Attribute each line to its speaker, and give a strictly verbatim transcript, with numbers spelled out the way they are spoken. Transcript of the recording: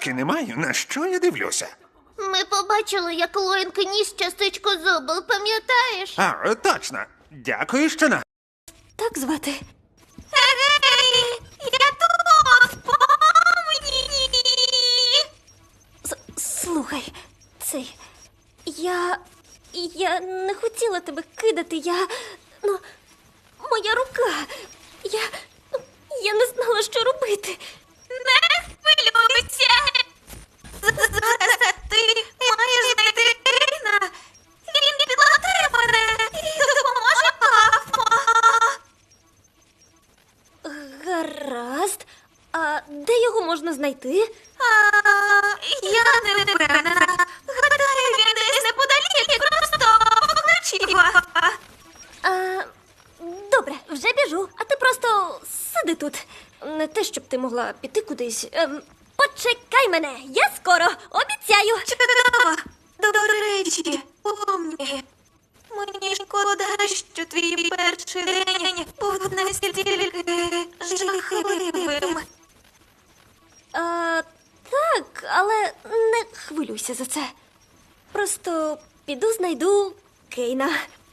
Speaker 1: Гадки не маю, на що я дивлюся.
Speaker 2: Ми побачили, як Лоїнг ніс частичку зубу, пам'ятаєш?
Speaker 1: А, точно. Дякую, що на...
Speaker 3: Так звати.
Speaker 2: Ей, я тут, помні!
Speaker 3: С- Слухай, цей. Я. Я не хотіла тебе кидати, я. Ну, моя рука. Я. Я не знала, що робити.
Speaker 2: Не хвилюйся! Зараз ти маєш знайти Кейна. Він підлатає мене і допоможе папа.
Speaker 3: Гаразд. А де його можна знайти?
Speaker 2: А, я не впевнена. Гадаю, він десь неподалік, просто покличі папа.
Speaker 3: А, добре, вже біжу, а ти просто сиди тут. Не те, щоб ти могла піти кудись. Ем, почекай мене, я скоро, обіцяю.
Speaker 2: Чудово. До речі, помні. Мені шкода, що твій перший день був настільки жахливим.
Speaker 3: А, так, але не хвилюйся за це. Просто піду знайду Кейна.